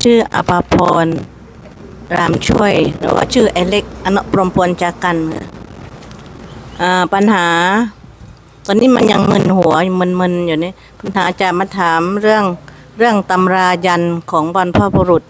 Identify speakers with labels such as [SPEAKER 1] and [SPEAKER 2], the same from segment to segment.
[SPEAKER 1] ชื่ออภาพรรามช่วยหรือว่าชื่อไอเล็กอนุปรมพลจากกันปัญหาตอนนี้มันยังมึนหัวมึนอยู่นี่ปัญหาจะมาถามเรื่องตำรายันของบรรพบุรุษ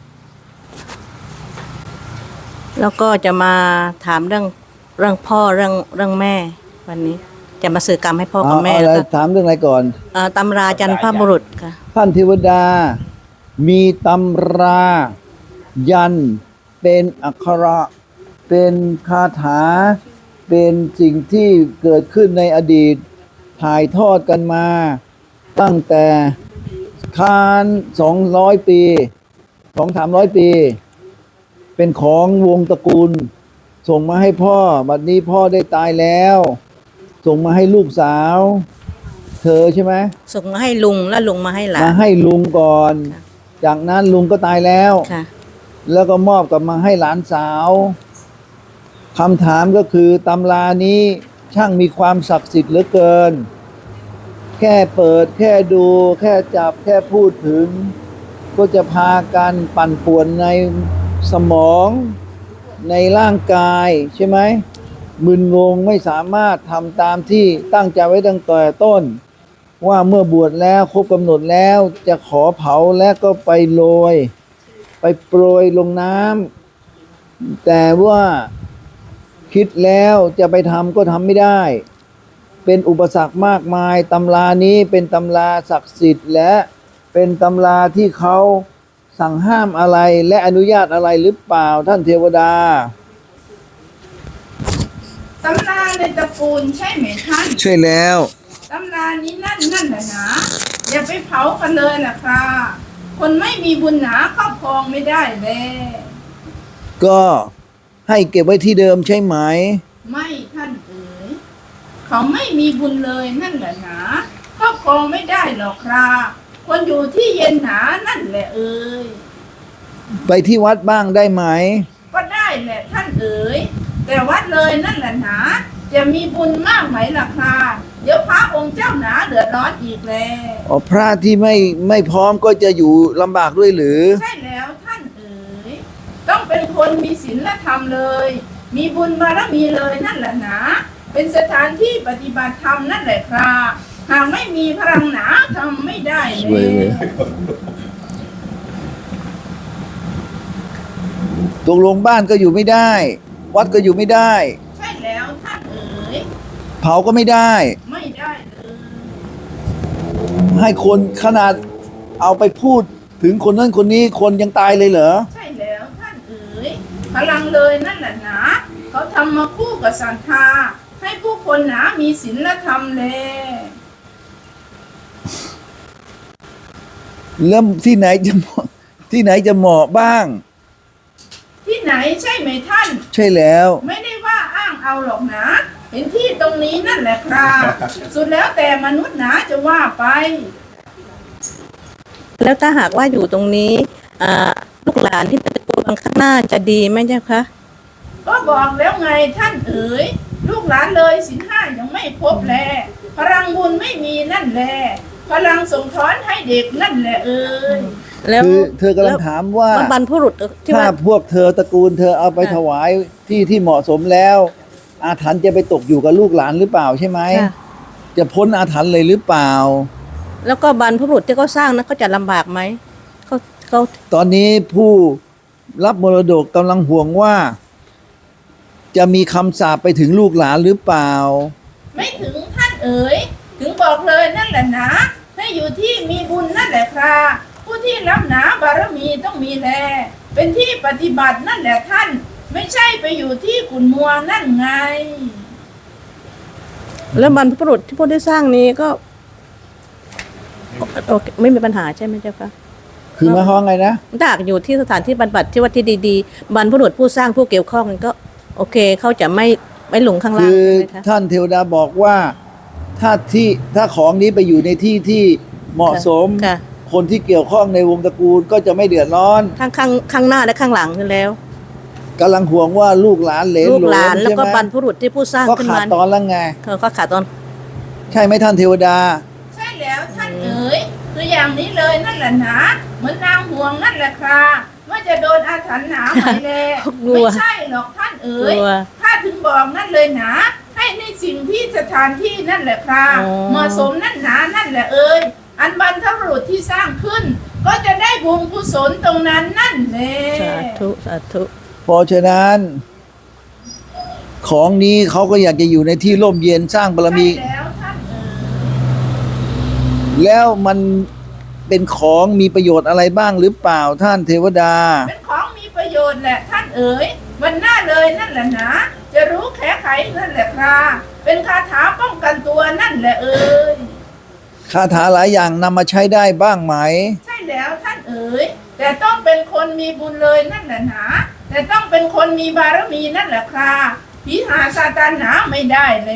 [SPEAKER 1] แล้วก็จะมาถามเรื่องพ่อเรื่องแม่วันนี้จะมาสื่อกรรมให้พ่อกับแม่แล้วก็
[SPEAKER 2] ถามเรื่องอะไรก่อน
[SPEAKER 1] ตำรายันพบุรุษค่ะ
[SPEAKER 2] ท่านเทวดามีตำรายันเป็นอักขระเป็นคาถาเป็นสิ่งที่เกิดขึ้นในอดีตถ่ายทอดกันมาตั้งแต่คาน200 ปี200-300 ปีเป็นของวงตระกูลส่งมาให้พ่อบัดนี้พ่อได้ตายแล้วส่งมาให้ลูกสาวเธอใช่ไหม
[SPEAKER 1] ส่งมาให้ลุงแล้วลุงมาให้หลาน
[SPEAKER 2] มาให้ลุงก่อนจากนั้นลุงก็ตายแล้วแล้วก็มอบกลับมาให้หลานสาวคำถามก็คือตำรานี้ช่างมีความศักดิ์สิทธิ์เหลือเกินแค่เปิดแค่ดูแค่จับแค่พูดถึงก็จะพากันปั่นป่วนในสมองในร่างกายใช่ไหมมึนงงไม่สามารถทำตามที่ตั้งใจไว้ตั้งแต่ต้นว่าเมื่อบวชแล้วครบกำหนดแล้วจะขอเผาและก็ไปโรยไปโปรยลงน้ำแต่ว่าคิดแล้วจะไปทำก็ทำไม่ได้เป็นอุปสรรคมากมายตำรานี้เป็นตำราศักดิ์สิทธิ์และเป็นตำราที่เขาสั่งห้ามอะไรและอนุญาตอะไรหรือเปล่าท่านเทวดา
[SPEAKER 3] ตำราในตระกูลใช่ไหมท่าน
[SPEAKER 2] ใช่แล้ว
[SPEAKER 3] ตำรานี้นั่นแหละนะอย่าไปเผากันเลยนะครับคนไม่มีบุญหนาครอบครองไม่ได้เลย
[SPEAKER 2] ก็ให้เก็บไว้ที่เดิมใช่ไหม
[SPEAKER 3] ไม่ท่านเอ๋ยเขาไม่มีบุญเลยนั่นแหละนะครอบครองไม่ได้หรอกครับคนอยู่ที่เย็นหนานั่นแหละเอ๋ย
[SPEAKER 2] ไปที่วัดบ้างได้ไหม
[SPEAKER 3] ก็ได้แหละท่านเอ๋ยแต่วัดเลยนั่นแหละนะจะมีบุญมากไหมล่ะครับเดี๋ยวพระองค์เจ้าหนาเดือดร้อนอีกแล้ว
[SPEAKER 2] พระที่ไม่พร้อมก็จะอยู่ลำบากด้วยหรือ
[SPEAKER 3] ใช่แล้วท่านเอ๋ยต้องเป็นคนมีศีลธรรมเลยมีบุญบารมีเลยนั่นแหละนะเป็นสถานที่ปฏิบัติธรรมนั่นแหละครับหากไม่มีพลังหนาทำไม่ได้เลย
[SPEAKER 2] ตกลงบ้านก็อยู่ไม่ได้วัดก็อยู่ไม่ได้
[SPEAKER 3] ใช่แล้วท่านเอ๋ย
[SPEAKER 2] เผาก็ไม่ได้
[SPEAKER 3] ไม่ได้เลย
[SPEAKER 2] ให้คนขนาดเอาไปพูดถึงคนนั้นคนนี้คนยังตายเลยเหรอ
[SPEAKER 3] ใช่แล้วท่านเอ๋ยพลังเลยนั่นแหละนะเขาทำมาคู่กับศรัทธาให้ผู้คนหนามีศีลธรรมเลย
[SPEAKER 2] แล้วที่ไหนจะเหมาะบ้าง
[SPEAKER 3] ที่ไหนใช่ไหมท่าน
[SPEAKER 2] ใช่แล้ว
[SPEAKER 3] ไม่ได้ว่าอ้างเอาหรอกนะเห็นที่ตรงนี้นั่นแหละครับสุดแล้วแต่มนุษย์หนาจะว่าไป
[SPEAKER 1] แล้วถ้าหากว่าอยู่ตรงนี้ลูกหลานที่ตระกูลข้างหน้าจะดีไหมเจ้าคะ
[SPEAKER 3] ก็บอกแล้วไงท่านเอ๋ยลูกหลานเลยศีลห้ายังไม่ครบแลพลังบุญไม่มีนั่นแหละพลังส่งท้อนให้เด็กนั่นแหละเอ๋ย
[SPEAKER 2] แล้วเธอกำลังถามว่า
[SPEAKER 1] บรรพบุรุษ
[SPEAKER 2] ถ้าพวกเธอตระกูลเธอเอาไปถวายที่เหมาะสมแล้วอาถรรพ์จะไปตกอยู่กับลูกหลานหรือเปล่าใช่ไหมจะพ้นอาถรรพ์เลยหรือเปล่า
[SPEAKER 1] แล้วก็บรรพบุรุษที่เขาสร้างนั้นเขาจะลำบากไหมเขา
[SPEAKER 2] ตอนนี้ผู้รับมรดกกำลังห่วงว่าจะมีคำสาปไปถึงลูกหลานหรือเปล่า
[SPEAKER 3] ไม่ถึงท่านเอ๋ยถึงบอกเลยนั่นแหละนะให้อยู่ที่มีบุญนั่นแหละครับผู้ที่รับหนาบารมีต้องมีแลเป็นที่ปฏิบัตินั่นแหละท่านไม่ใช่ไปอยู่ที่ขุนมัวนั่นไง
[SPEAKER 1] แล้วบรรพบุรุษที่พวกได้สร้างนี้ก็โอเคไม่มีปัญหาใช่ไหมเจ้าคะ
[SPEAKER 2] คือมาห้องไงนะ
[SPEAKER 1] ถ้าอยู่ที่สถานที่บรรบัดที่วัดที่ดีๆบรรพบุรุษผู้สร้างผู้เกี่ยวข้องก็โอเคเขาจะไม่หลงข้างล่าง
[SPEAKER 2] คือท่านเทวดาบอกว่าถ้าของนี้ไปอยู่ในที่ที่เหมาะสมคนที่เกี่ยวข้องในวงตระกูลก็จะไม่เดือดร้อน
[SPEAKER 1] ทั้งข้างหน้าและข้างหลังนั่นแล้ว
[SPEAKER 2] กำลังห่วงว่าลูกหลานเหลน
[SPEAKER 1] ลูกหลานแล้วก็บรรพบุรุษที่ผู้สร้าง
[SPEAKER 2] ขึ้นมาก็ขาดตอนแล้วไง
[SPEAKER 1] ก็ขาดตอน
[SPEAKER 2] ใช่ไหมท่านเทวดา
[SPEAKER 3] ใช่แล้วท่านเอ๋ยคืออย่างนี้เลยนั่นแหละนะเหมือนนางห่วงนั่นแหละค่ะว่าจะโดนอาถรรพ์หนาไหมแล
[SPEAKER 1] กลัว
[SPEAKER 3] ไม่ใช่หรอกท่านเอ๋ย
[SPEAKER 1] กลัว
[SPEAKER 3] ข้าถึงบอกนั่นเลยนะให้ในสิ่งที่สถานที่นั่นแหละค่ะ
[SPEAKER 1] อ๋อ
[SPEAKER 3] เหมาะสมนั่นหนานั่นแหละเอ๋ยอันบรรพบุรุษที่สร้างขึ้น ก็จะได้บุญกุศลตรงนั้นนั่นแหละ
[SPEAKER 1] สาธุสาธุ
[SPEAKER 2] เพราะฉะนั้น ของนี้เขาก็อยากจะอยู่ในที่ร่มเย็นสร้างบารมี
[SPEAKER 3] ใช่แล้วท่านเอ๋ย
[SPEAKER 2] แล้วมันเป็นของมีประโยชน์อะไรบ้างหรือเปล่าท่านเทวดา
[SPEAKER 3] เป็นของมีประโยชน์แหละท่านเอ๋ยวันหน้าเลยนั่นแหละนะจะรู้แค่ไขนั่นแหละค่ะเป็นคาถาป้องกันตัวนั่นแหละเอ๋ย
[SPEAKER 2] คาถาหลายอย่างนำมาใช้ได้บ้างไหม
[SPEAKER 3] ใช่แล้วท่านเอ๋ยแต่ต้องเป็นคนมีบุญเลยนั่นแหละนะแต่ต้องเป็นคนมีบารมีนั่นแหละค่ะผีหาซาตานหาไม่ได้เลย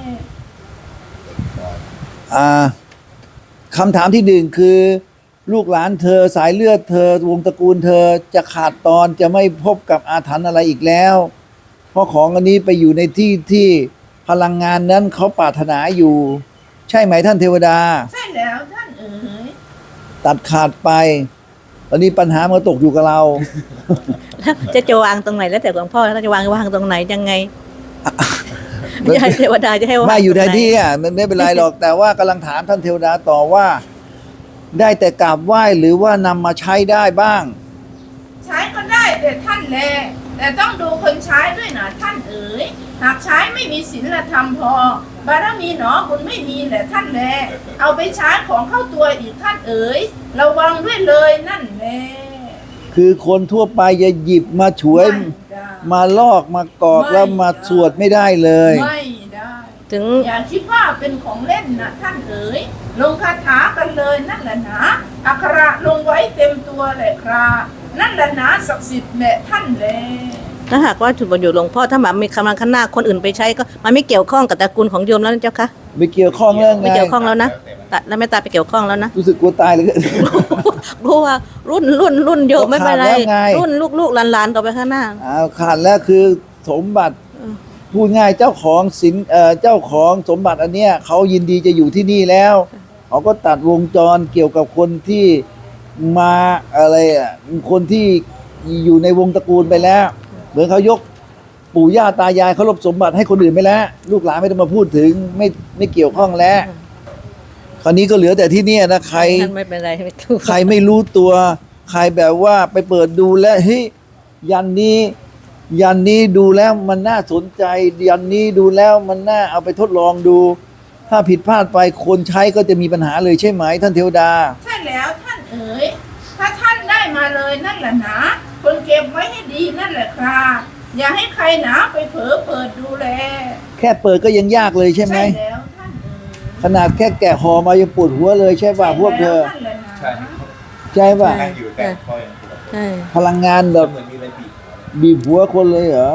[SPEAKER 2] คำถามที่หนึ่งคือ ลูกหลานเธอสายเลือดเธอวงตระกูลเธอจะขาดตอนจะไม่พบกับอาถรรพ์อะไรอีกแล้ว เพราะของอันนี้ไปอยู่ในที่ที่พลังงานนั้นเขาปรารถนาอยู่ ใช่ไหมท่านเทวดา
[SPEAKER 3] ใช่แล้วท่านเอ๋ย
[SPEAKER 2] ตัดขาดไป ตอนนี้ปัญหามันตกอยู่กับเรา
[SPEAKER 1] แล้วจะวางตรงไหนแล้วแต่หลวงพ่อแล้วจะวางตรงไหนยังไงไม่ใช่เทวดาจะให้วาง
[SPEAKER 2] ไม่อยู่ใน
[SPEAKER 1] ตรงไหน
[SPEAKER 2] ที่อ่ะมันไม่เป็นไรหรอก แต่ว่ากำลังถามท่านเทวดาต่อว่า ได้แต่กราบไหว้หรือว่านำมาใช้ได้บ้าง
[SPEAKER 3] ใช้ก็ได้แต่ท่านแลแต่ต้องดูคนใช้ด้วยนะท่านเอ๋ยหากใช้ไม่มีศีลธรรมพอบารมีหนอบุญไม่มีแหละท่านแลเอาไปใช้ของเข้าตัวอีกท่านเอ๋ยระวังด้วยเลยนั่นแหละ
[SPEAKER 2] คือคนทั่วไปจะหยิบมาฉวย
[SPEAKER 3] ไม่ได้
[SPEAKER 2] มาลอกมากอก
[SPEAKER 3] ไม่
[SPEAKER 2] แล้วมา
[SPEAKER 3] ได้
[SPEAKER 2] สวดไม่ได้เลย
[SPEAKER 3] ไม่ได้
[SPEAKER 1] ถึง
[SPEAKER 3] อย่าคิดว่าเป็นของเล่นนะท่านเอ๋ยลงคาถากันเลยนั่นแหละนะอักขระลงไว้เต็มตัวแหละครับนั่นแหละนะศักดิ์สิทธิ์แหละท่านแล
[SPEAKER 1] ถ้าหากว่าถูกประโยชน์หลวงพ่อถ้าแบบมีกำลังข้างหน้าคนอื่นไปใช้ก็มันไม่เกี่ยวข้องกับตระกูลของโยมแล้วนะเจ้าคะ
[SPEAKER 2] ไม่เกี่ยวข้องเรื่องไง
[SPEAKER 1] ไม่เกี่ยวข้องแล้วนะตัดแล้วไม่ตาไปเกี่ยวข้องแล้วนะ
[SPEAKER 2] รู้สึกกลัวตายเลย
[SPEAKER 1] เพราะว่ารุ่นโยมไม่เป็นไร
[SPEAKER 2] ก็ขาดแล้วไง
[SPEAKER 1] รุ่นลูกหลานต่อไปข้างหน้า
[SPEAKER 2] ขาดแล้วคือสมบัติพูดง่ายเจ้าของสินเจ้าของสมบัติอันเนี้ยเขายินดีจะอยู่ที่นี่แล้วเขาก็ตัดวงจรเกี่ยวกับคนที่มาอะไรคนที่อยู่ในวงตระกูลไปแล้ว เหมือนเขายกปู่ย่าตายายเขาลบสมบัติให้คนอื่นไปแล้ว ลูกหลานไม่ต้องมาพูดถึงไม่เกี่ยวข้องแล้วคราวนี้ก็เหลือแต่ที่เนี่ยนะใคร
[SPEAKER 1] ท่านไม่เป็นไรไม่ถูก
[SPEAKER 2] ใครไม่รู้ตัว ใครแบบว่าไปเปิดดูแล้วเฮ้ยยันนี้ดูแล้วมันน่าสนใจ ยันนี้ดูแล้วมันน่าเอาไปทดลองดู ถ้าผิดพลาดไปคนใช้ก็จะมีปัญหาเลยใช่ไหมท่านเทวดา
[SPEAKER 3] ใช่แล้วท่านเอ๋ยถ้าท่านได้มาเลยนั่นแหละนะคนเก็บไว้ให้ดีนั่นแหละครับอย่าให้ใครหนาไปเผลอเปิดดูแล
[SPEAKER 2] แค่เปิดก็ยังยากเลยใช่ไหม
[SPEAKER 3] ใช่แล้วท่านเอ๋ย
[SPEAKER 2] ขนาดแค่แกะห่อมายังปวดหัวเลยใช่ป่ะพวกเธอ
[SPEAKER 3] ใช่แล้วนั่นแหละนะ
[SPEAKER 4] ใช่
[SPEAKER 2] ใช่ป่ะ
[SPEAKER 4] นั่งอยู่แต่ก็ยังปวด
[SPEAKER 1] ใช่
[SPEAKER 2] พลังงานแบบ
[SPEAKER 4] เหมือนมีอะไรบีบ
[SPEAKER 2] บีบหัวคนเลยเหรอ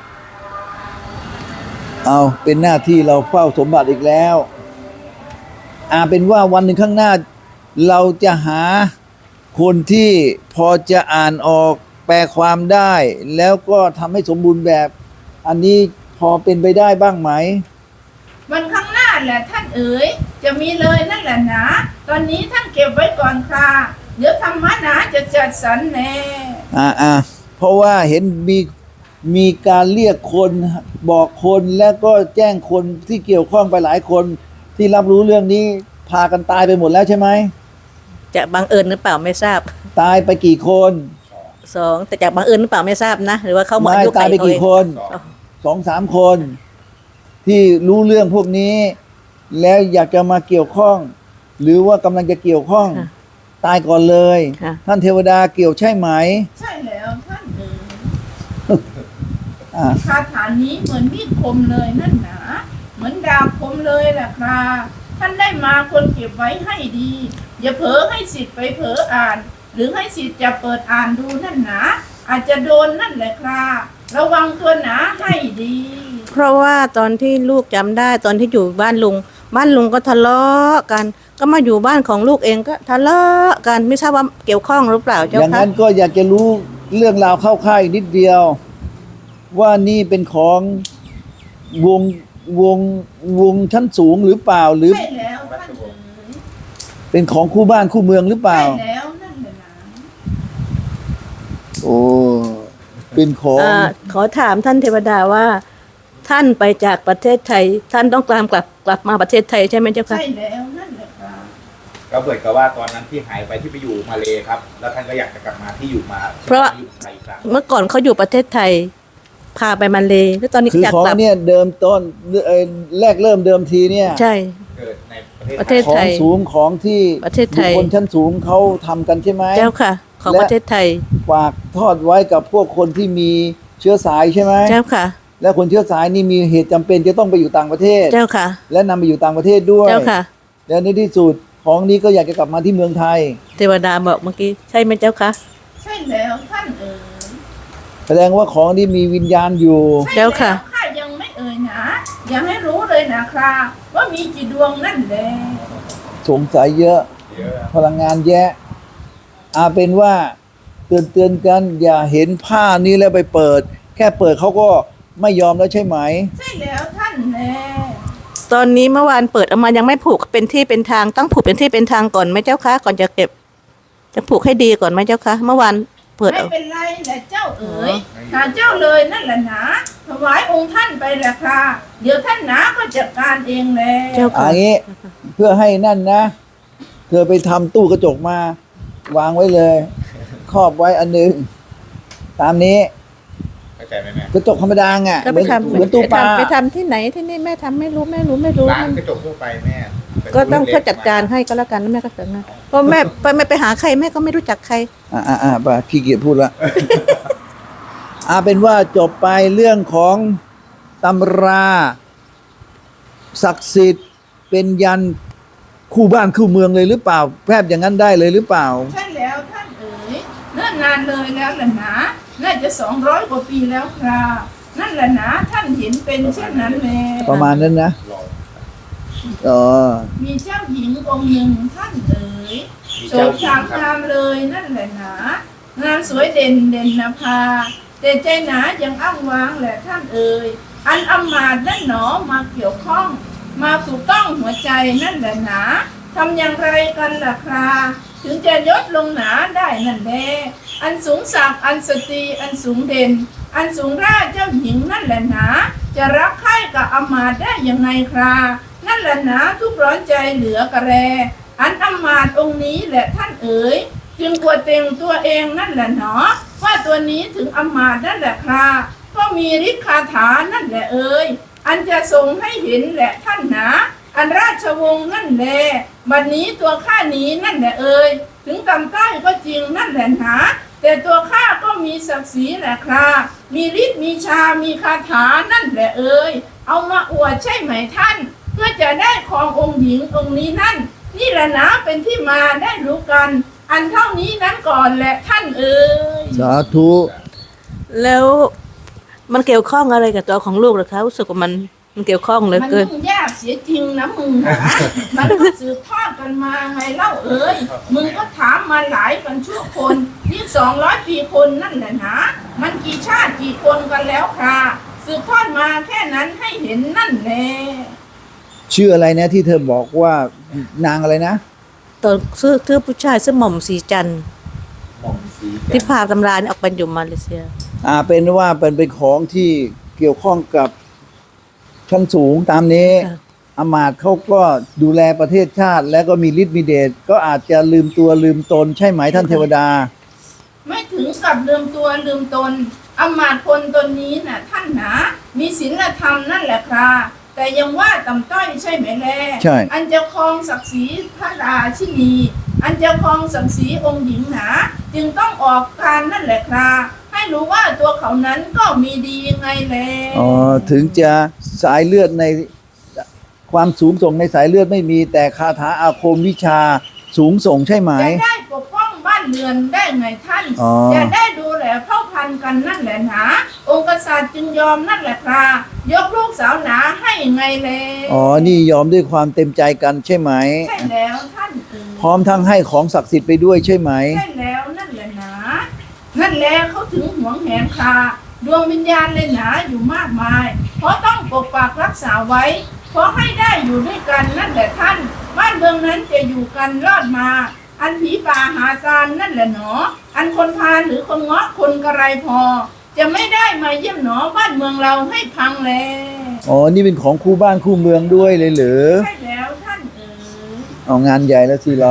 [SPEAKER 2] เอาเป็นหน้าที่เราเฝ้าสมบัติอีกแล้วเป็นว่าวันหนึ่งข้างหน้า เราจะหาคนที่พอจะอ่านออกแปลความได้ แล้วก็ทำให้สมบูรณ์แบบ อันนี้พอเป็นไปได้บ้างไหม
[SPEAKER 3] วันข้างหน้าแหละท่านเอ๋ยจะมีเลยนั่นแหละนะตอนนี้ท่านเก็บไว้ก่อนค่ะเดี๋ยวธรรมะนะจะจัดสรรแน่
[SPEAKER 2] เพราะว่าเห็นมีการเรียกคนบอกคนแล้วก็แจ้งคนที่เกี่ยวข้องไปหลายคนที่รับรู้เรื่องนี้พากันตายไปหมดแล้วใช่ไหม
[SPEAKER 1] จะบังเอิญหรือเปล่าไม่ทราบ
[SPEAKER 2] ตายไปกี่คน
[SPEAKER 1] 2แต่จากบังเอิญหรือเปล่าไม่ทราบนะหรือว่าเขาหมด
[SPEAKER 2] ไม่
[SPEAKER 1] อายุ
[SPEAKER 2] ตายไปกี่คน
[SPEAKER 4] สอง
[SPEAKER 2] 2-3 คน ที่รู้เรื่องพวกนี้ แล้วอยากจะมาเกี่ยวข้อง หรือว่ากำลังจะเกี่ยวข้อง ตายก่อนเลย
[SPEAKER 1] ค่ะ
[SPEAKER 2] ท่านเทวดาเกี่ยวใช่ไหม
[SPEAKER 3] ใช่แล้วท่านเอ๋ย
[SPEAKER 2] อ่า
[SPEAKER 3] คาถานี้เหมือนมีดคมเลยนั่นหนาเหมือนดาบคมเลยแหละครับท่านได้มาควรเก็บไว้ให้ดี อย่าเผลอให้สิทธิ์ไปเผลออ่าน หรือให้สิทธิ์จะเปิดอ่านดูนั่นหนาอาจจะโดนนั่นแหละครับระวังตัวหนาให้ดี
[SPEAKER 1] เพราะว่าตอนที่ลูกจำได้ตอนที่อยู่บ้านลุงก็ทะเลาะกัน ก็มาอยู่บ้านของลูกเองก็ทะเลาะกันไม่ทราบว่าเกี่ยวข้องหรือเปล่า
[SPEAKER 2] อ
[SPEAKER 1] เจ้า
[SPEAKER 2] ย่าง
[SPEAKER 1] คะ
[SPEAKER 2] นั้นก็อยากจะรู้เรื่องราวเข้าค่ายนิดเดียว ว่านี่เป็นของวงชั้นสูงหรือเปล่าหรือ
[SPEAKER 3] ใช่แล้วท่านเอ๋ย
[SPEAKER 2] เป็นของคู่บ้านคู่เมืองหรือเปล่า
[SPEAKER 3] ใช่แล้วนั่นแหละนะ
[SPEAKER 2] โอ้เป็นของ
[SPEAKER 1] ขอถามท่านเทวดาว่า ท่านไปจากประเทศไทย ท่านต้องตามกลับมาประเทศไทยใช่ไหมเจ้าคะ
[SPEAKER 3] ใช่แล้วนั่นแหละค่ะ
[SPEAKER 4] ก็เหมือนกับว่าตอนนั้นที่หายไปที่ไปอยู่มาเลครับ แล้วท่านก็อยากจะกลับมาที่อยู่มา
[SPEAKER 1] เพราะ
[SPEAKER 4] อยู่ไทยอีกครั้ง
[SPEAKER 1] เมื่อก่อนเขาอยู่ประเทศไทย พาไปมาเลย์แล้วตอนนี้
[SPEAKER 2] คือ
[SPEAKER 1] อยาก
[SPEAKER 2] ของ
[SPEAKER 1] กลับ
[SPEAKER 2] เนี่ยเดิมต้นแรกเริ่มเดิมทีเนี่ย
[SPEAKER 1] ใช่
[SPEAKER 4] เกิดในประ
[SPEAKER 1] ประ
[SPEAKER 4] เท
[SPEAKER 1] เท
[SPEAKER 4] ศ
[SPEAKER 1] ศ
[SPEAKER 4] ไท
[SPEAKER 2] ข
[SPEAKER 4] ย
[SPEAKER 2] องสูงของที่
[SPEAKER 1] ประเทศไทย
[SPEAKER 2] บุคคลชั้นสูงเขาทำกันใช่ไหม
[SPEAKER 1] เจ้าค่ะ ของ
[SPEAKER 2] และ
[SPEAKER 1] ประเทศไทย
[SPEAKER 2] ฝากทอดไว้กับพวกคนที่มีเชื้อสายใช่ไหม
[SPEAKER 1] เจ้าค่ะ
[SPEAKER 2] และคนเชื้อสายนี่มีเหตุจำเป็นจะต้องไปอยู่ต่างประเทศ
[SPEAKER 1] เจ้าค่ะ
[SPEAKER 2] และนำไปอยู่ต่างประเทศด้วย
[SPEAKER 1] เจ้าค่ะ
[SPEAKER 2] และในที่สุดของนี้ก็อยากจะกลับมาที่เมืองไทย
[SPEAKER 1] เทวดาบอกเมื่อกี้ใช่ไหมเจ้าคะ
[SPEAKER 3] ใช่แล้วท่านเอ๋ย
[SPEAKER 2] แสดงว่าของนี้มีวิญญาณอยู่
[SPEAKER 3] ใช่
[SPEAKER 1] เจ้าค่ะ
[SPEAKER 3] แล้วข้ายังไม่เอ่ยนะยังให้รู้เลยนะครับว่ามีกี่ดวงนั่นแหละ
[SPEAKER 2] สงสัยเยอะ
[SPEAKER 4] เยอะ
[SPEAKER 2] พลังงานแยะเป็นว่าเตือนกันอย่าเห็นผ้านี้แล้วไปเปิด แค่เปิดเขาก็ไม่ยอมแล้วใช่ไหม
[SPEAKER 3] ใช่แล้วท่านแน่
[SPEAKER 1] ตอนนี้เมื่อวานเปิดออกมายังไม่ผูกเป็นที่เป็นทางต้องผูกเป็นที่เป็นทางก่อนไหมเจ้าคะก่อนจะเก็บ จะผูกให้ดีก่อนไหมเจ้าคะเมื่อวานเปิด
[SPEAKER 3] ไม่
[SPEAKER 1] เอา
[SPEAKER 3] เป็นไรแหละเจ้าเอ๋ยหาเจ้าเลยนั่นแหละนะถวายองค์ท่านไปแหละค่ะเดี๋ยวท่านนะก็จัดการเองแหละ
[SPEAKER 1] เจ้า
[SPEAKER 2] อั
[SPEAKER 1] ค่ะ
[SPEAKER 2] นนี้เพื่อให้นั่นนะ เธอไปทำตู้กระจกมาวางไว้เลย ครอบไว้อันหนึง ตามนี้
[SPEAKER 4] เข้าใจไหมแม่
[SPEAKER 2] กระจกธรรมดาไง
[SPEAKER 1] ก็ไปทำ
[SPEAKER 2] เหมือนตู้ปลา
[SPEAKER 1] ไปทำที่ไหนที่นี่แม่ทำไม่รู้
[SPEAKER 4] ร้านกระจกทั่วไปแม่
[SPEAKER 1] ก็ต้องเขาจัดการให้ก็แล้วกันแล้วแม่ก็เสนอเพราะแม่ไปหาใครแม่ก็ไม่รู้จักใคร
[SPEAKER 2] ป่ะขี้เกียจพูดละ เป็นว่าจบไปเรื่องของตำราศักดิ์สิทธิ์เป็นยันคู่บ้านคู่เมืองเลยหรือเปล่าแพบอย่างนั้นได้เลยหรือเปล่า
[SPEAKER 3] ใช่แล้วท่านเอ๋ยเนิ่นนานเลยแล้วแหละนะน่าจะ200 กว่าปีแล้วครับนั่นแหละนะท่านเห็นเป็นเช่นนั้นแหละ
[SPEAKER 2] ประมาณนั้นนะ
[SPEAKER 4] รอ
[SPEAKER 2] อ๋อ
[SPEAKER 3] มีเจ้าหญิงองค์หนึ่งท่านเอ๋ย
[SPEAKER 4] มี
[SPEAKER 3] โฉ
[SPEAKER 4] เจ้าม หญิ
[SPEAKER 3] ชาง ม
[SPEAKER 4] ครับ
[SPEAKER 3] งามเลยนั่นแหละนะงามสวยเด่นนะพาแต่ใจหนายังอ้างว้างแหละท่านเอ๋ยอันอำมาตย์นั่นหนอมาเกี่ยวข้อง มาถูกต้องหัวใจนั่นแหละนะทำอย่างไรกันล่ะคราถึงจะยศลงหนาได้นั่นแลอันสูงศักดิ์อันสตรีอันสูงเด่น อันสูงราชเจ้าหญิงนั่นแหละนะจะรักใคร่กับอำมาตย์ได้ยังไงครานั่นแหละนะทุกร้อนใจเหลือกระแร อันอำมาตย์องค์นี้แหละท่านเอ๋ยจึงกวดเต็งตัวเองนั่นแหละเนาะว่าตัวนี้ถึงอำมาตย์นั่นแหละคราก็มีฤทธิ์คาถานั่นแหละเอ๋ยอันจะทรงให้เห็นแหละท่านนะอันราชวงศ์นั่นแหละบัดนี้ตัวข้านี้นั่นแหละเอ๋ยถึงกำใต้ก็จริงนั่นแหละนะแต่ตัวข้าก็มีศักดิ์ศรีแหละครามีฤทธิ์มีชามีคาถานั่นแหละเอ๋ยเอามาอวดใช่ไหมท่าน เพื่อจะได้ครององค์หญิงองค์นี้นั่นนี่แหละนะเป็นที่มาได้รู้กัน อันเท่านี้นั้นก่อนแหละท่านเอ๋ย
[SPEAKER 2] สาธุ
[SPEAKER 1] แล้วมันเกี่ยวข้องอะไรกับตัวของลูกเหรอคะรู้สึกว่ามันเกี่ยวข้องเหลือ
[SPEAKER 3] มัน
[SPEAKER 1] เกิน
[SPEAKER 3] ยุ่งยากเสียจริงนะมึงนะมันก็สืบทอดกันมาไงเล่าเอ๋ยมึงก็ถามมาหลายกันชั่วคนนี่200 ปีคนนั่นแหละนะมันกี่ชาติกี่คนกันแล้วค่ะสืบทอดมาแค่นั้นให้เห็นนั่นแหละ
[SPEAKER 2] ชื่ออะไรนะที่เธอบอกว่านางอะไรนะ
[SPEAKER 1] ตอนซื้อผู้ชายซื้อหม่อมสีจันทร์
[SPEAKER 4] หม่อมสี
[SPEAKER 1] ที่พาตำรานี่ออกไปอยู่มาเลเซีย
[SPEAKER 2] เป็นว่าเป็นของที่เกี่ยวข้องกับชั้นสูงตามนี้
[SPEAKER 1] ค่ะ
[SPEAKER 2] อำมาตย์เขาก็ดูแลประเทศชาติ แล้วก็มีฤทธิ์มีเดชก็อาจจะลืมตัวลืมตนใช่ไหมท่านเทวดา
[SPEAKER 3] ไม่ถึงกับลืมตัวลืมตนอำมาตย์คนตนนี้น่ะท่านหนามีศีลธรรมนั่นแหละครับแต่ยังว่าต่ำต้อยใช่ไหมแล
[SPEAKER 2] ใช่
[SPEAKER 3] อันจะครองศักดิ์ศรีพระราชินี อันจะครองศักดิ์ศรีองค์หญิงหนาจึงต้องออกการนั่นแหละครับให้รู้ว่าตัวเขานั้นก็มีดียังไงแล
[SPEAKER 2] ถึงจะสายเลือดในความสูงส่งในสายเลือดไม่มีแต่คาถาอาคมวิชาสูงส่งใช่ไหม
[SPEAKER 3] จะได้ปกป้องบ้านเรือนได้ไงท่าน
[SPEAKER 2] อ๋อ
[SPEAKER 3] จะได้ดูแลเผ่าพันธุ์กันนั่นแหละหนาองค์กษัตริย์จึงยอมนั่นแหละครับยกลูกสาวหนาให้ไงแล
[SPEAKER 2] นี่ยอมด้วยความเต็มใจกันใช่ไหม
[SPEAKER 3] ใช่แล้วท่านเอ๋ย
[SPEAKER 2] พร้อมทั้งให้ของศักดิ์สิทธิ์ไปด้วยใช่ไหม
[SPEAKER 3] ใช่แล้วนั่นแหละหนานั่นแหละเขาถึงหวงแหนคาดวงวิญญาณเลยหนาอยู่มากมาย เพราะต้องปกปักรักษาไว้ เพราะให้ได้อยู่ด้วยกันนั่นแหละท่าน บ้านเมืองนั้นจะอยู่กันรอดมาอันผีป่าหาซานนั่นแหละหนออันคนพาลหรือคนเงาะคนกระไรพอ จะไม่ได้มาเยี่ยมหนอบ้านเมืองเราให้พังแล
[SPEAKER 2] อ๋อนี่เป็นของคู่บ้านคู่เมืองด้วยเลยเหรอ
[SPEAKER 3] ใช่แล้วท่านเอ๋ย
[SPEAKER 2] เอางานใหญ่แล้วสิเรา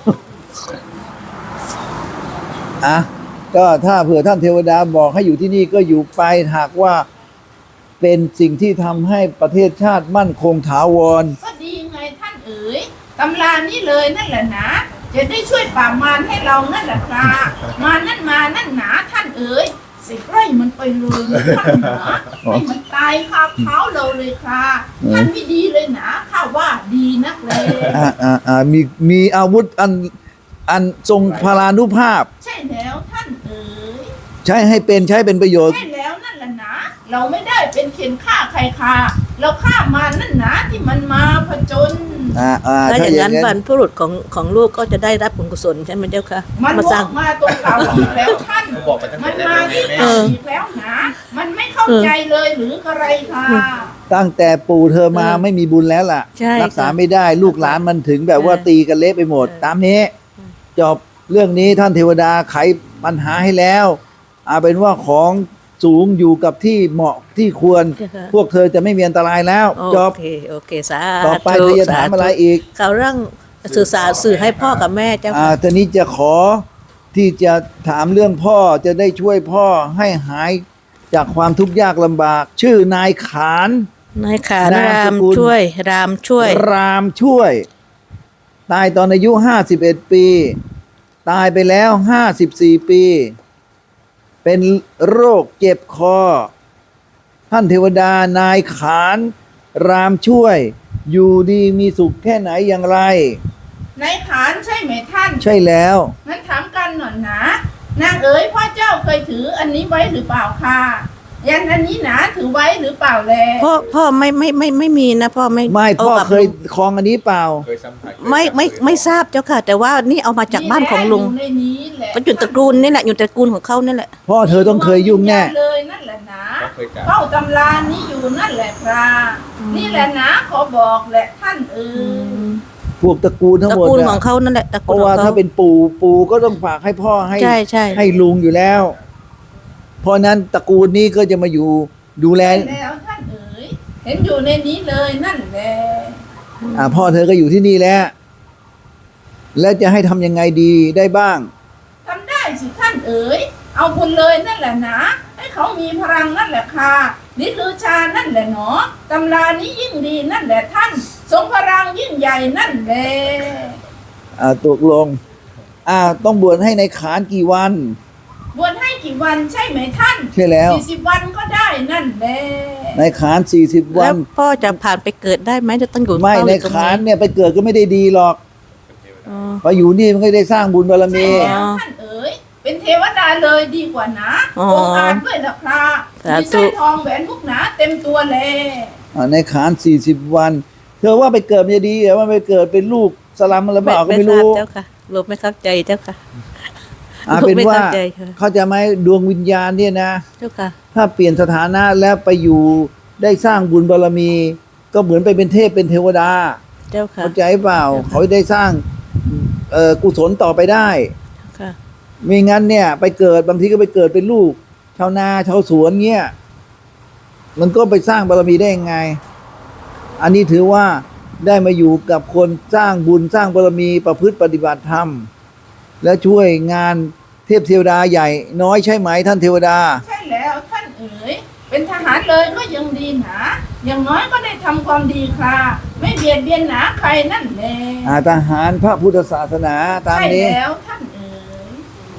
[SPEAKER 2] อ่ะก็ถ้าเผื่อท่านเทวดาบอกให้อยู่ที่นี่ก็อยู่ไปหากว่าเป็นสิ่งที่ทำให้ประเทศชาติมั่นคงถาวร
[SPEAKER 3] ก็ดีไงท่านเอ๋ยตำรานี้เลยนั่นแหละนะจะได้ช่วยปราบมารให้เรานั่นแหละครับมานั่นหนาท่านเอ๋ยสิไล่มันไปเลยนะท่านหนาให้มันตายคาเท้าเราเลยค่ะท่านไม่ดีเลยนะข้าว่าดีนักเลย
[SPEAKER 2] มีอาวุธอันทรงพลานุภาพ
[SPEAKER 3] ใช่แล้วท่านเอ๋ย
[SPEAKER 2] ใช้เป็นประโยชน์
[SPEAKER 3] ใช่แล้วนั่นแหละนะเราไม่ได้เป็นเข็นฆ่าใครค่ะเราฆ่ามันนั่นนะที่มันมาผจญ
[SPEAKER 1] ถ้า
[SPEAKER 2] ถ้า
[SPEAKER 1] อ
[SPEAKER 2] อย่าง
[SPEAKER 1] นั้น
[SPEAKER 2] นั้น
[SPEAKER 1] บรรพบุรุษของลูกก็จะได้รับผลกุศลใช่ไหมเจ้าค่ะ
[SPEAKER 3] มัน
[SPEAKER 1] มา
[SPEAKER 3] บ
[SPEAKER 1] สร้า
[SPEAKER 3] อง กมาตรงเก่าอีกแล้วท่าน
[SPEAKER 4] บอกไปตั้ง
[SPEAKER 3] มัน
[SPEAKER 4] แต่
[SPEAKER 3] มา
[SPEAKER 4] แร
[SPEAKER 3] ที่
[SPEAKER 4] ก
[SPEAKER 3] เก่าอีกแล้วนะมันไม่เข้าใจเลยหรืออะไรค่ะ
[SPEAKER 2] ตั้งแต่ปู่เธอมาไม่มีบุญแล้วล่ะ
[SPEAKER 1] ใช่
[SPEAKER 2] รัษา
[SPEAKER 1] ค่ะ
[SPEAKER 2] ไม่ได้ลูกหลานมันถึงแบบว่า
[SPEAKER 1] ใช่
[SPEAKER 2] ตีกันเละไปหมด ตามนี้ จบเรื่องนี้ท่านเทวดาไขปัญหาให้แล้วเอาเป็นว่าของสูงอยู่กับที่เหมาะที่ควร พวกเธอจะไม่มีอันตรายแล้ว จบ
[SPEAKER 1] โอเคสา
[SPEAKER 2] ต่อไปเธอจะถามอะไรอีก
[SPEAKER 1] เขาเรื่องสื่อให้พ่อกับแม่เจ้าค่ะ
[SPEAKER 2] ตอนนี้จะขอที่จะถามเรื่องพ่อจะได้ช่วยพ่อให้หายจากความทุกข์ยากลำบาก ชื่อนายขาน
[SPEAKER 1] นายขาน
[SPEAKER 2] นาม
[SPEAKER 1] ราม
[SPEAKER 2] สกุล
[SPEAKER 1] ช่วยรามช่วย
[SPEAKER 2] รามช่วย ตายตอนอายุ51 ปี ตายไปแล้ว54 ปี เป็นโรคเจ็บคอ ท่านเทวดานายขานรามช่วย อยู่ดีมีสุขแค่ไหนอย่างไร
[SPEAKER 3] นายขานใช่ไหมท่าน
[SPEAKER 2] ใช่แล้ว
[SPEAKER 3] งั้นถามกันหน่อยนะนางเอ๋ยพ่อเจ้าเคยถืออันนี้ไว้หรือเปล่าค่ะยันอันนี้หนาถือไว้หรือเปล่าแล
[SPEAKER 1] พ่อไม่มีนะพ่อไม่
[SPEAKER 2] ไม่พ่อ
[SPEAKER 1] กับ
[SPEAKER 2] เคย
[SPEAKER 1] ลุง
[SPEAKER 2] คลองอันนี้เปล่า
[SPEAKER 4] เคยสัมผัส
[SPEAKER 1] ไม่ทราบเจ้าค่ะ แต่ว่านี่เอามาจากบ้านของลุง
[SPEAKER 3] อยู่ในนี้แหละ
[SPEAKER 1] เป็นอยู่ตระกูลนี่แหละอยู่ตระกูลของเขานี่แหละ
[SPEAKER 2] พ่อเธอต้องเคยยุ่งแน่
[SPEAKER 3] เลยนั่นแหละนะ
[SPEAKER 4] เขาเคยจับ
[SPEAKER 3] เฝ้าตำรานี้อยู่นั่นแหละครับนี่แหละนะขอบอกแหละท่านเอ๋ย
[SPEAKER 2] พวกตระกูลทั้ง
[SPEAKER 1] ตระ
[SPEAKER 2] หมด
[SPEAKER 1] กูล
[SPEAKER 2] เนี่ย
[SPEAKER 1] ของเขานั่นแหละตระ
[SPEAKER 2] เพ
[SPEAKER 1] กูล
[SPEAKER 2] ราะ
[SPEAKER 1] ขอ
[SPEAKER 2] ว่าง
[SPEAKER 1] เขา
[SPEAKER 2] ถ้าเป็นปู่ก็ต้องฝากให้พ่อให้
[SPEAKER 1] ใช่ใช่
[SPEAKER 2] ให้ลุงอยู่แล้ว เพราะนั้นตระกูลนี้ก็จะมาอยู่ดูแล
[SPEAKER 3] แล้วท่านเอ๋ยเห็นอยู่ในนี้เลยนั่นแหละ
[SPEAKER 2] พ่อเธอก็อยู่ที่นี่แล้ว แล้วจะให้ทำยังไงดีได้บ้าง
[SPEAKER 3] ทำได้สิท่านเอ๋ยเอาบุญเลยนั่นแหละนะให้เขามีพลังนั่นแหละค่ะนี่คือชานั่นแหละเนาะตำรานี้ยิ่งดีนั่นแหละท่านทรงพลังยิ่งใหญ่นั่นแหละ
[SPEAKER 2] ตกลงต้องบวชให้ในขานกี่วัน
[SPEAKER 3] บวชให้กี่วันใช่ไหมท่าน
[SPEAKER 2] ใช่แล้ว
[SPEAKER 3] 40 วันก็ได้นั่นแหละ
[SPEAKER 2] ในขาน40 วั
[SPEAKER 1] แล้
[SPEAKER 2] น
[SPEAKER 1] วพ่อจะผ่านไปเกิดได้ไหมจะต้องอยู่
[SPEAKER 2] ไม่
[SPEAKER 1] เฝ้า
[SPEAKER 2] ใน
[SPEAKER 1] อยู่ตรง
[SPEAKER 2] ขานเนี่ยไปเกิดก็ไม่ได้ดีหรอก
[SPEAKER 1] อ๋อ
[SPEAKER 2] พออยู่นี่มันก็ได้สร้างบุญบารมี
[SPEAKER 3] ใช่แล้วท่านเอ๋ยเป็นเทวดาเลยดีกว่านะ
[SPEAKER 1] อ๋อ
[SPEAKER 3] องค์อาจด้วยล่ะครับ
[SPEAKER 1] สาธุ
[SPEAKER 3] มีสร้อยทองแหวนมุกหนาเต็มตัวเลย
[SPEAKER 2] ในขาน40 วัน เธอว่าไปเกิดมันจะดีหรือว่าไปเกิดเป็นลูกสลัมอะไรเปล่าก็ไม่
[SPEAKER 1] ทราบ
[SPEAKER 2] รู้
[SPEAKER 1] เจ้าค่ะลูกไม่เข้าใจเจ้าค่ะ
[SPEAKER 2] เป็นว่า
[SPEAKER 1] ไม่เข้าใจค่ะ
[SPEAKER 2] เขาใจะไหมดวงวิญญาณเนี่ยนะ
[SPEAKER 1] เจ้าค่ะ
[SPEAKER 2] ถ้าเปลี่ยนสถานะแล้วไปอยู่ได้สร้างบุญบารมี ก็เหมือนไปเป็นเทพเป็นเทวดา
[SPEAKER 1] เจ้าค่ะ
[SPEAKER 2] เข้าใจเปล่า
[SPEAKER 1] เจ้าค่ะ
[SPEAKER 2] เขาได้สร้างกุศลต่อไปได้
[SPEAKER 1] ค่ะ
[SPEAKER 2] ไม่งั้นเนี่ยไปเกิดบางทีก็ไปเกิดเป็นลูก ชาวนาชาวสวนเงี้ยมันก็ไปสร้างบารมีได้ยังไง อันนี้ถือว่าได้มาอยู่กับคนสร้างบุญสร้างบารมีประพฤติปฏิบัติธรรม และช่วยงานเทพเทวดาใหญ่ น้อยใช่ไหมท่านเทวดา
[SPEAKER 3] ใช่แล้วท่านเอ๋ยเป็นทหารเลยก็ยังดีหนาอย่างน้อยก็ได้ทำความดีค่ะไม่เบียดเบียนหนาใครนั่นแหละ
[SPEAKER 2] ทหารพระพุทธศาสนาตาม
[SPEAKER 3] ใช่
[SPEAKER 2] นี้
[SPEAKER 3] แล้วท่านเอ๋ย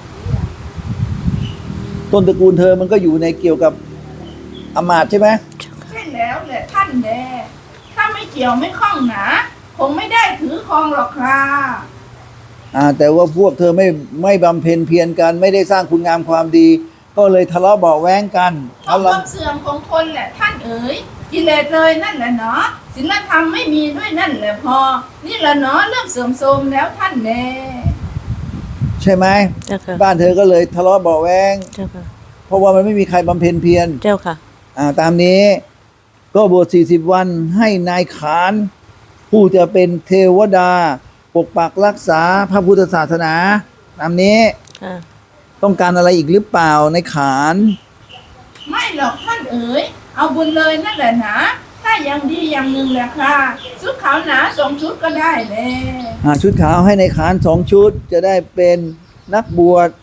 [SPEAKER 2] ต้นตระกูลเธอมันก็อยู่ในเกี่ยวกับอำมาตย์ใช่ไหม
[SPEAKER 3] ใช่แล้วแหละท่านแลถ้าไม่เกี่ยวไม่ข้องหนาคงไม่ได้ถือครองหรอกค่ะ
[SPEAKER 2] แต่ว่าพวกเธอไม่บำเพ็ญเพียรกันไม่ได้สร้างคุณงามความดี ก็เลยทะเลาะเบาะแว้งกัน
[SPEAKER 3] เพราะความเสื่อมของคนแหละท่านเอ๋ยกิเลสเลยนั่นแหละเนาะศีลธรรมไม่มีด้วยนั่นแหละพอ นี่แหละเนาะเริ่มเสื่อมโทรมแล้วท่านแล
[SPEAKER 2] ใช่ไหม
[SPEAKER 1] เจ้าค่ะ
[SPEAKER 2] บ้านเธอก็เลยทะเลาะเบาะแว้ง
[SPEAKER 1] เจ้าค่ะ
[SPEAKER 2] เพราะว่ามันไม่มีใครบำเพ็ญเพียร
[SPEAKER 1] เจ้าค่ะ
[SPEAKER 2] ตามนี้ก็บวช40 วันให้นายขาน ผู้จะเป็นเทวดาปกปักรักษาพระพุทธศาสนาตามนี้
[SPEAKER 1] ค่ะ
[SPEAKER 2] ต้องการอะไรอีกหรือเปล่าในขาน
[SPEAKER 3] ไม่หรอกท่านเอ๋ยเอาบุญเลยนั่นแหละนะถ้ายังดีอย่างหนึ่งแหละค่ะชุดขาวหนา2 ชุดก็ได้เลย
[SPEAKER 2] หาชุดขาวให้ในขาน2 ชุดจะได้เป็นนักบวช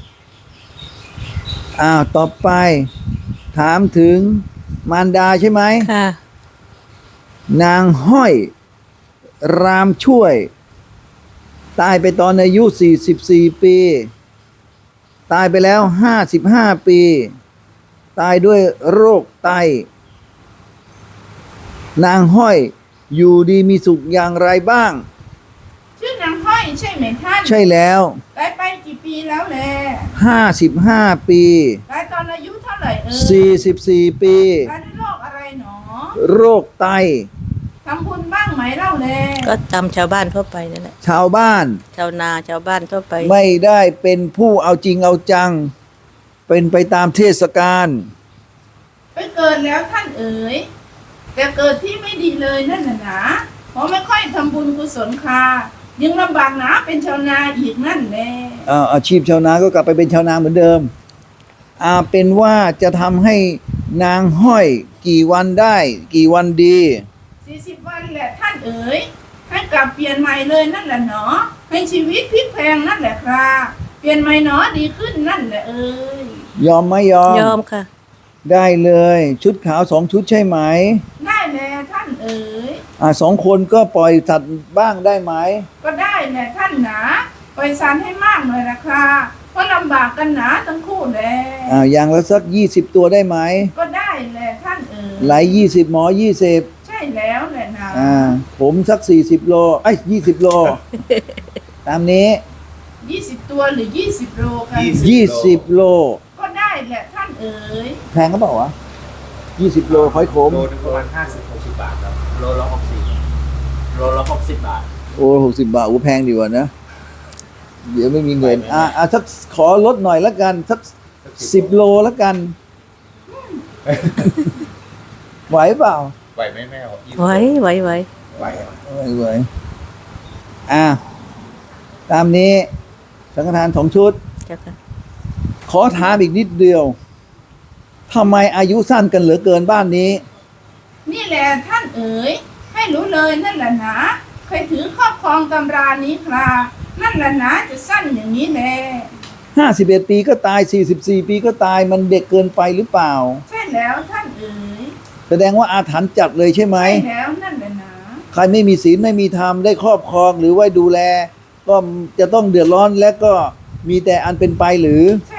[SPEAKER 2] ต่อไป ถามถึงมารดาใช่ไหม
[SPEAKER 1] ค่ะ
[SPEAKER 2] นางห้อยรามช่วย ตายไปตอนอายุ44 ปี ตายไปแล้ว55 ปี ตายด้วยโรคไต นางห้อยอยู่ดีมีสุขอย่างไรบ้าง
[SPEAKER 3] ชื่อนางห้อยใช่ไหมท่าน
[SPEAKER 2] ใช่แล้ว
[SPEAKER 3] ตายไปกี่ปีแล้วแล
[SPEAKER 2] 55 ปี
[SPEAKER 3] ตายตอนอายุเท่าไหร่เอ่ย
[SPEAKER 2] 44 ปี
[SPEAKER 3] ตายด้วยโรคอะไรหนอ
[SPEAKER 2] โรคไต
[SPEAKER 3] ทำบุญบ้างไหมเล่าแล
[SPEAKER 1] ก็ตามชาวบ้านทั่วไปนั่นแหละ
[SPEAKER 2] ชาวบ้าน
[SPEAKER 1] ชาวนาชาวบ้านทั่วไป
[SPEAKER 2] ไม่ได้เป็นผู้เอาจริงเอาจัง เป็นไปตามเทศกาล
[SPEAKER 3] ไปเกิดแล้วท่านเอ๋ยแต่เกิดที่ไม่ดีเลยนั่นน่ะนะเพราะไม่ค่อยทำบุญกุศลค่ะยังลำบากหนาเป็นชาวนาอีกนั่นแหละ
[SPEAKER 2] อาชีพชาวนาก็กลับไปเป็นชาวนาเหมือนเดิมเป็นว่าจะทำให้นางห้อยกี่วันได้ กี่วันดี
[SPEAKER 3] 40 วันแหละท่านเอ๋ยให้กลับเปลี่ยนใหม่เลยนั่นแหละเนาะให้ชีวิตพลิกแพลงนั่นแหละครับเปลี่ยนใหม่เนาะดีขึ้นนั่นแหละเอ๋ย
[SPEAKER 2] ยอมไหมยอม
[SPEAKER 1] ยอมค่ะ
[SPEAKER 2] ได้เลย ชุดขาว2 ชุดใช่ไหม
[SPEAKER 3] ได้แน่ท่านเอ๋ย
[SPEAKER 2] 2 คนก็ปล่อยสัตว์บ้างได้ไหม
[SPEAKER 3] ก็ได้แน่ท่านหนาปล่อยสันให้มากหน่อยละค่ะเพราะลำบากกันหนาทั้งคู่แล
[SPEAKER 2] อย่างละสัก20 ตัวได้ไหม
[SPEAKER 3] ก็ได้แหละท่านเอ๋ย
[SPEAKER 2] ไหล20 หมอ 20
[SPEAKER 3] ใช่แล้วแหละนะ
[SPEAKER 2] ผมสัก40 โล20 โล ตามนี้
[SPEAKER 3] 20 ตัวหรือ20 โลกัน
[SPEAKER 2] 20 โล
[SPEAKER 3] ก็ได้แหละท่านเอ๋ย
[SPEAKER 2] แพงก็เปล่าวะ20 โลหอยขม
[SPEAKER 4] โลนึงประมาณ50-60 บาทครับโลละ60โลละ60 บาท
[SPEAKER 2] โอ้60 บาทโอ้แพงดีกว่านะ เดี๋ยวไม่มีเงิน
[SPEAKER 4] ไหวไหม
[SPEAKER 2] สักขอลดหน่อยละกัน สัก10 โลละกัน ไหวเปล่า
[SPEAKER 4] ไหวไหมแม่20
[SPEAKER 1] ไว้ไว้ไว้
[SPEAKER 4] ไหวครับ
[SPEAKER 2] ไหวตามนี้ สังฆทาน2 ชุด
[SPEAKER 1] เจ้าค่ะ
[SPEAKER 2] ขอถามอีกนิดเดียวทำไมอายุสั้นกันเหลือเกินบ้านนี้
[SPEAKER 3] นี่แหละท่านเอ๋ยให้รู้เลยนั่นแหละนะใครถือครอบครองตำรานี้ครับนั่นแหละนะจะสั้นอย่างนี้แหละ
[SPEAKER 2] 51 ปีก็ตาย44 ปีก็ตายมันเด็กเกินไปหรือเปล่า
[SPEAKER 3] ใช่แล้วท่านเอ๋ย
[SPEAKER 2] แสดงว่าอาถรรพ์จัดเลยใช่ไหม
[SPEAKER 3] ใช่แล้วนั่นแหละนะ
[SPEAKER 2] ใครไม่มีศีลไม่มีธรรมได้ครอบครองหรือไว้ดูแล ก็จะต้องเดือดร้อนและก็มีแต่อันเป็นไปหรือ